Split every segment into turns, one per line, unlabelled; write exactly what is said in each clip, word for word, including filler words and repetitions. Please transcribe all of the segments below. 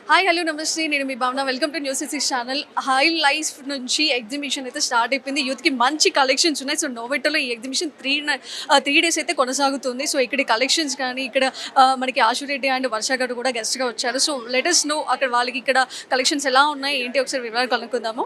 Hi hello నమస్తే, నేను మీ Bhavana. Welcome to news six channel. High life నుంచి ఎగ్జిబిషన్ అయితే స్టార్ట్ అయిపోయింది. యూత్కి మంచి కలెక్షన్స్ ఉన్నాయి. సో నోవెటోలో ఈ ఎగ్జిబిషన్ త్రీ త్రీ డేస్ అయితే కొనసాగుతుంది. సో ఇక్కడ కలెక్షన్స్ కానీ ఇక్కడ ఆ, మనకి ఆశురెడ్డి అండ్ వర్ష గారు కూడా గెస్ట్గా వచ్చారు. సో లెటెస్ట్ నో అక్కడ వాళ్ళకి ఇక్కడ కలెక్షన్స్ ఎలా ఉన్నాయి ఏంటి ఒకసారి వివరాలు కనుక్కుందాము.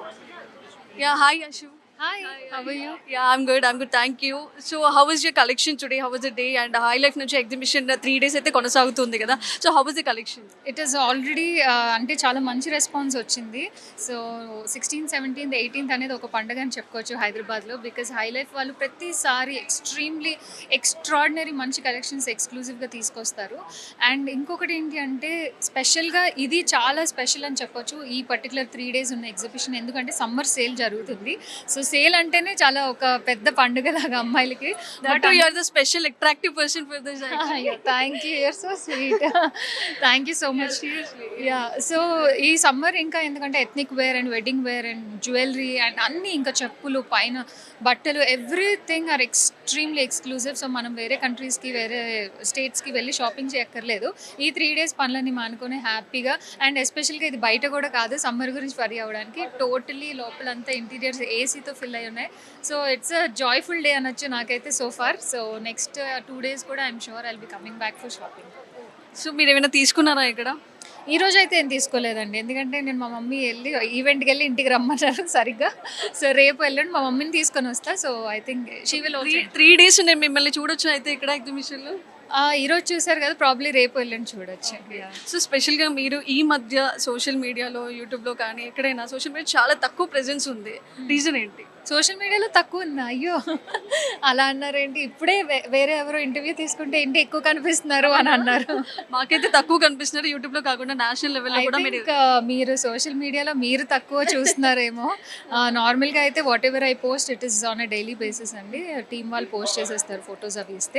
Yeah hi Ashu.
Hi, how are you?
Yeah, I'm good. I'm good. Thank you. So, how was your collection today? How was the day? And High Life నుంచి ఎగ్జిబిషన్ త్రీ డేస్ అయితే కొనసాగుతుంది కదా. So how was the collection?
It is already uh, అంటే చాలా మంచి response వచ్చింది. So sixteen seventeenth eighteenth అనేది ఒక పండుగ అని చెప్పుకోవచ్చు హైదరాబాద్లో. బికాజ్ హై లైఫ్ వాళ్ళు ప్రతిసారి ఎక్స్ట్రీమ్లీ ఎక్స్ట్రాడినరీ మంచి కలెక్షన్స్ ఎక్స్క్లూజివ్గా తీసుకొస్తారు. అండ్ ఇంకొకటి ఏంటి అంటే స్పెషల్గా ఇది చాలా స్పెషల్ అని చెప్పొచ్చు ఈ పర్టికులర్ త్రీ డేస్ ఉన్న ఎగ్జిబిషన్. ఎందుకంటే సమ్మర్ సేల్ జరుగుతుంది. సో సేల్ అంటేనే చాలా ఒక పెద్ద పండుగ లాగా అమ్మాయిలకి.
But you are the special attractive person for this.
Thank you, you're so sweet. Thank you so much. Yeah, so ఈ సమ్మర్ ఇంకా ఎందుకంటే ethnic wear and wedding wear and jewellery and అన్నీ ఇంకా చెప్పులు పైన బట్టలు everything are extremely exclusive. So మనం వేరే కంట్రీస్కి వేరే స్టేట్స్కి వెళ్ళి షాపింగ్ చేయక్కర్లేదు. ఈ త్రీ డేస్ పనులన్నీ మానుకొని హ్యాపీగా అండ్ ఎస్పెషల్గా ఇది బయట కూడా కాదు, సమ్మర్ గురించి వరి అవ్వడానికి టోటలీ లోపలంతా ఇంటీరియర్స్ ఏసీతో ఫిల్ అయి ఉన్నాయి. So it's a joyful day అనొచ్చు నాకైతే so far. So next two days కూడా I'm sure I'll be coming back for shopping.
So మీరు ఏమైనా తీసుకున్నారా ఇక్కడ?
ఈ రోజు అయితే ఏం తీసుకోలేదండి, ఎందుకంటే నేను మా మమ్మీ వెళ్ళి ఈవెంట్కి వెళ్ళి ఇంటికి రమ్మన్నారు సరిగ్గా. సో రేపు వెళ్ళండి మా మమ్మీని తీసుకొని వస్తా. So I think she will also.
Three days నేను మిమ్మల్ని చూడొచ్చు అయితే ఇక్కడ ఎగ్జిబిషన్లో.
ఈరోజు చూసారు కదా, ప్రాబ్లీ రేపు వెళ్ళండి చూడొచ్చు.
సో స్పెషల్గా మీరు ఈ మధ్య సోషల్ మీడియాలో యూట్యూబ్లో కానీ ఎక్కడైనా సోషల్ మీడియా చాలా తక్కువ ప్రెజెన్స్ ఉంది, రీజన్ ఏంటి?
సోషల్ మీడియాలో తక్కువ ఉందా? అయ్యో అలా అన్నారేంటి? ఇప్పుడే వే- వేరే ఎవరో ఇంటర్వ్యూ తీసుకుంటే ఏంటి ఎక్కువ కనిపిస్తున్నారు అని అన్నారు.
మాకైతే తక్కువ కనిపిస్తున్నారు యూట్యూబ్లో కాకుండా నేషనల్ లెవెల్లో
I
కూడా మీరు.
think, uh, మీరు సోషల్ మీడియాలో మీరు తక్కువ చూస్తున్నారేమో. నార్మల్గా అయితే whatever I post it is on a daily basis అండి. టీమ్ వాళ్ళు పోస్ట్ చేసేస్తారు ఫొటోస్ అవి ఇస్తే.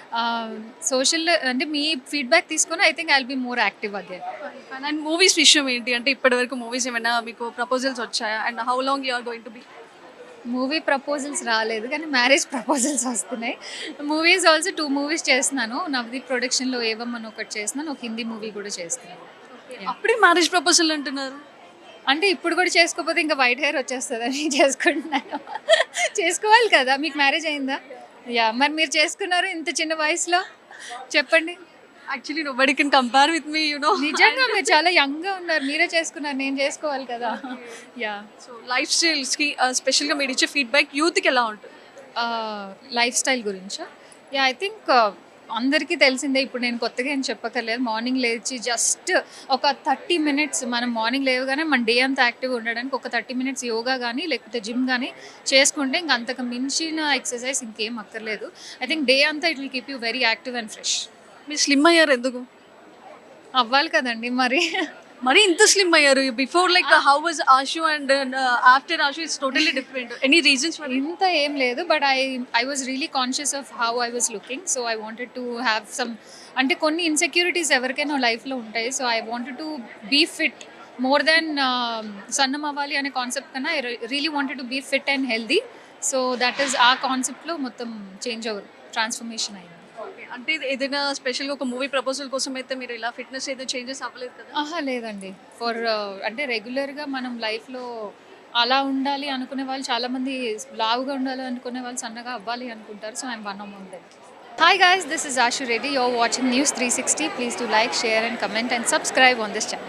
సోషల్ అంటే మీ ఫీడ్బ్యాక్ తీసుకొని I think I will be more active again.
And movies విషయం ఏంటి అంటే ఇప్పటి వరకు మూవీస్ ఏమైనా మీకు ప్రపోజల్స్ వచ్చాయా? And how long you are going to be?
Movie proposals రాలేదు కానీ మ్యారేజ్ ప్రపోజల్స్ వస్తున్నాయి. మూవీస్ ఆల్సో టూ మూవీస్ చేస్తున్నాను. నవదీప్ ప్రొడక్షన్లో ఏవం అని ఒకటి చేస్తున్నాను, ఒక హిందీ మూవీ కూడా చేస్తున్నాను.
అప్పుడే మ్యారేజ్ ప్రపోజల్ అంటున్నారు.
అంటే ఇప్పుడు కూడా చేసుకోకపోతే ఇంకా వైట్ హెయిర్ వచ్చేస్తుందని చేసుకుంటున్నాను. చేసుకోవాలి కదా. మీకు మ్యారేజ్ అయిందా? యా, మరి మీరు చేసుకున్నారు ఇంత చిన్న వయసులో, చెప్పండి.
Actually nobody can compare with me you know.
నిజంగా మీరు చాలా యంగ్గా ఉన్నారు, మీరే చేసుకున్నారు, నేను చేసుకోవాలి కదా. యా,
సో లైఫ్ స్టైల్స్కి స్పెషల్గా మీరు ఇచ్చే ఫీడ్బ్యాక్ యూత్కి ఎలా ఉంటుంది?
లైఫ్ స్టైల్ గురించా? యా, ఐ థింక్ అందరికీ తెలిసిందే. ఇప్పుడు నేను కొత్తగా ఏం చెప్పక్కర్లేదు. మార్నింగ్ లేచి జస్ట్ ఒక థర్టీ మినిట్స్ మనం మార్నింగ్ లేవగానే మన డే అంతా యాక్టివ్గా ఉండడానికి ఒక థర్టీ మినిట్స్ యోగా కానీ లేకపోతే జిమ్ కానీ చేసుకుంటే ఇంక అంతకు మించిన ఎక్సర్సైజ్ ఇంకేం అక్కర్లేదు. ఐ థింక్ డే అంతా it will keep you very active and fresh.
మీరు స్లిమ్ అయ్యారు ఎందుకు?
అవ్వాలి కదండి మరి.
మరి ఇంత స్లిమ్ అయ్యారు. Before like how was Ashu and after Ashu it's totally different. Any reasons for?
ఇంత ఏం లేదు, but I I was really conscious of how I was looking. So I wanted to have some, అంటే కొన్ని ఇన్సెక్యూరిటీస్ ఎవరికైనా లైఫ్లో ఉంటాయి. So I wanted to be fit more than సన్నం అవ్వాలి అనే కాన్సెప్ట్ కన్నా I really wanted to be fit and healthy. So that is ఆ కాన్సెప్ట్లో మొత్తం చేంజ్ ఓవర్ ట్రాన్స్ఫర్మేషన్ అయింది.
అంటే ఇది ఏదైనా స్పెషల్గా ఒక మూవీ ప్రపోజల్ కోసం అయితే మీరు ఇలా ఫిట్నెస్ ఏదో చేంజెస్ అవ్వలేదు కదా?
ఆహా లేదండి. ఫర్ అంటే రెగ్యులర్గా మనం లైఫ్లో అలా ఉండాలి అనుకునే వాళ్ళు చాలామంది, లావుగా ఉండాలి అనుకునే వాళ్ళు సన్నగా అవ్వాలి అనుకుంటారు. So I'm one among them. Hi guys, this is Ashu Reddy. You are watching news three sixty. Please to like, share and comment and subscribe on this channel.